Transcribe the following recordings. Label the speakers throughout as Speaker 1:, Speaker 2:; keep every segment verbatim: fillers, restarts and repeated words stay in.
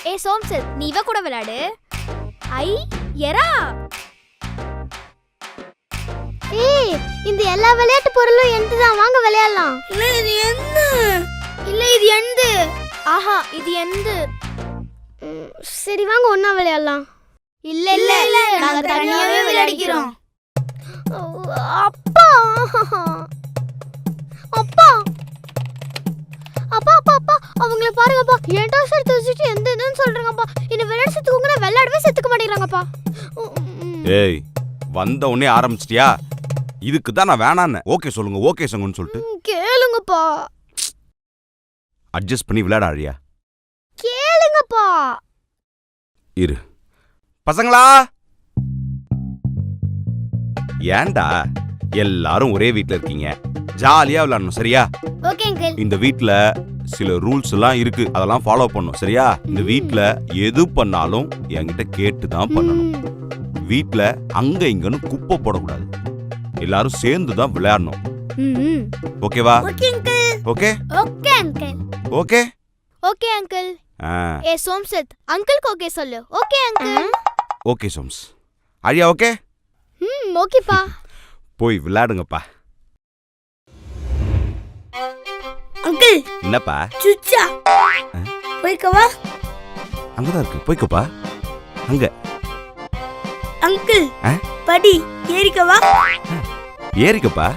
Speaker 1: ஏ சோம்சு, நீ இவ கூட விளையாடு. ஐ எரா.
Speaker 2: ஏய், இந்த எல்லா விளையாட்டு பொருளும் என்னதான், வாங்க விளையாடலாம்.
Speaker 1: இல்ல இது எந்த? இல்ல இது எந்த? ஆஹா, இது எந்த?
Speaker 2: சரி வாங்க ஒண்ணா விளையாடலாம்.
Speaker 1: இல்ல இல்ல இல்ல, நாங்க தனியாவே விளையாடிக்கிறோம்.
Speaker 2: அப்பா அப்பா அப்பா அப்பா அப்பா அவங்கள பாருங்கப்பா, என் டாஸ் எடுத்து வச்சுட்டு எந்த இதுன்னு சொல்றாங்கப்பா. என்ன விளையாட செத்துக்கோங்க, விளையாடவே செத்துக்க மாட்டேங்கிறாங்கப்பா.
Speaker 3: ஏய், வந்த உடனே ஆரம்பிச்சிட்டியா? இதுக்கு தான் நான் வேணான்னு ஓகே சொல்லுங்க ஓகே சொல்லுங்கன்னு சொல்லிட்டு.
Speaker 2: கேளுங்கப்பா,
Speaker 3: அட்ஜஸ்ட் பண்ணி விளையாட ஆழியா.
Speaker 2: கேளுங்கப்பா.
Speaker 3: இரு பசங்களா, ஏன்டா எல்லாரும் ஒரே வீட்ல இருக்கீங்க, ஜாலியா விளையாடணும் சரியா?
Speaker 2: Okay uncle.
Speaker 3: இந்த வீட்ல சில ரூல்ஸ் எல்லாம் இருக்கு, அதெல்லாம் ஃபாலோ பண்ணணும் சரியா? இந்த வீட்ல எது பண்ணாலும் என்கிட்ட கேட்டு தான் பண்ணணும். வீட்ல அங்க இங்கன்னு குப்பை போடக்கூடாது, எல்லாரும் சேர்ந்து தான் விளையாடணும். ஓகேவா?
Speaker 2: Okay uncle.
Speaker 3: Okay
Speaker 2: okay uncle.
Speaker 3: Okay
Speaker 1: okay uncle.
Speaker 3: ஆ
Speaker 1: ஏ சோம்சத், அங்கிள்க்கு ஓகே சொல்லு. Okay uncle.
Speaker 3: ஓகே சோம்ஸ். அழியா ஓகே?
Speaker 2: ம் ஓகேப்பா.
Speaker 3: போய் விளையாடுங்கப்பா.
Speaker 2: அங்கிள்
Speaker 3: என்னப்பா?
Speaker 2: சுச்சா போய்க்கவா?
Speaker 3: அங்கதான் இருக்கு, போய்க்கப்பா. அங்க
Speaker 2: அங்கிள் படி ஏறிக்கவா?
Speaker 3: ஏறிக்கப்பா.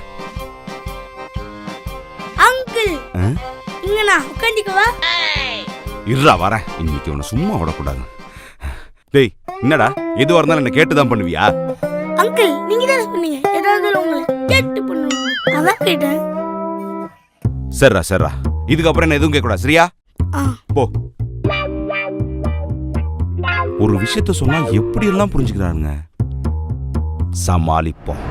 Speaker 2: அங்கிள் இங்கனா உட்கார்ந்திக்கவா?
Speaker 3: இருடா வரேன், இன்னைக்கு உன்னை சும்மா விடக்கூடாது. டேய் என்னடா, எதுவா இருந்தாலும் என்ன கேட்டுதான் பண்ணுவியா?
Speaker 2: அங்கிள் நீங்க தான் சொன்னீங்க ஏதாவது உங்களை கேட்டு பண்ணுங்க, அதான் கேட்டேன்.
Speaker 3: சரிடா சரிடா, இதுக்கப்புறம் என்ன எதுவும் கேட்கக்கூடாது சரியா? போ. ஒரு விஷயத்த சொன்னா எப்படி எல்லாம் புரிஞ்சுக்கிறானுங்க, சமாளிப்போம்.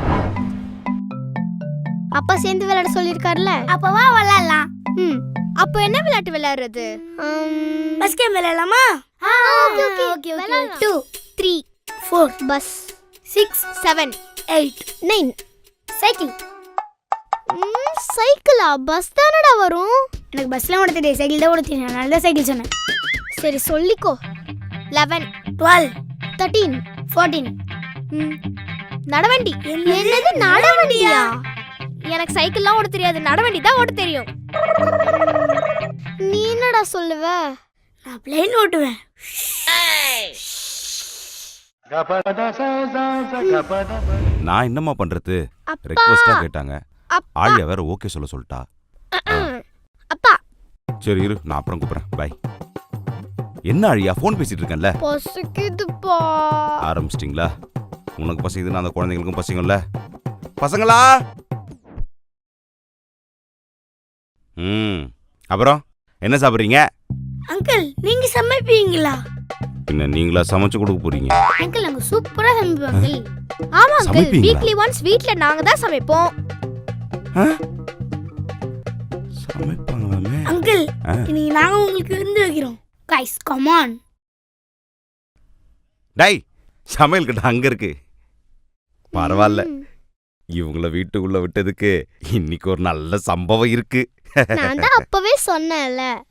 Speaker 2: அப்பா சேர்ந்து விளையாட சொல்லிருக்காருல, அப்ப வா விளையாடலாம். ம்
Speaker 1: அப்போ என்ன விளையாட்டு விளையாடுறது?
Speaker 2: பஸ் கேம் விளையாடலாமா? Okay okay okay okay. two
Speaker 1: three
Speaker 2: four buzz, six
Speaker 1: seven
Speaker 2: eight nine cycle. ம் சைக்கிளா? பஸ் தானடா வரும். எனக்கு பஸ்ல ஓட தெரியாது, சைக்கிள் தான் ஓட தெரியும், அதனால தான் சைக்கிள் சொன்னேன். சரி சொல்லிக்கோ.
Speaker 1: Eleven
Speaker 2: twelve thirteen fourteen.
Speaker 1: நடவண்டி.
Speaker 2: என்னது நடவண்டியா?
Speaker 1: எனக்கு சைக்கிள்லாம் ஓட தெரியாது, நடவண்டி தான் ஓட தெரியும்.
Speaker 2: நீ என்னடா சொல்லுவ? நான் பிளேன் ஓட்டுவேன்.
Speaker 3: நான் என்னம்மா பண்றது? ரெக்வெஸ்டா கேட்டாங்க, ஆழியா வேற ஓகே சொல்ல சொல்லிட்டா.
Speaker 2: அப்பா
Speaker 3: சரி இரு, நான் அப்புறம் கூப்பிடுறேன், பை. என்ன ஆழியா, போன் பேசிட்டு இருக்கேன்ல.
Speaker 2: பசிக்குதுப்பா.
Speaker 3: ஆரம்பிச்சிட்டீங்களா? உனக்கு பசிக்குதுன்னா அந்த குழந்தைங்களுக்கும் பசிக்கும்ல. பசங்களா? ம் அப்புறம் என்ன சாப்பிடுறீங்க?
Speaker 2: அங்கிள் நீங்க சமைப்பீங்களா?
Speaker 3: பின்ன நீங்களா சமைச்சு கொடுக்க போறீங்க?
Speaker 2: அங்கிள் நாங்க சூப்பரா சமைப்போம் அங்கிள்.
Speaker 1: ஆமா அங்கிள்,
Speaker 3: சமைப்பீங்களா?
Speaker 1: வீக்லி ஒன்ஸ் வீட்ல நாங்க தான் சமைப்போம்.
Speaker 3: சமைப்பாங்களாமே.
Speaker 2: அங்கிள் இன்னைக்கு நாங்க உங்களுக்கு விருந்து வைக்கிறோம். Guys come on.
Speaker 3: டேய், சமையல் கிட்ட அங்க இருக்கு. பரவாயில்ல, இவங்கள வீட்டுக்குள்ள விட்டதுக்கு இன்னைக்கு ஒரு நல்ல சம்பவம் இருக்கு.
Speaker 2: நான் தான் அப்பவே சொன்னேன்ல.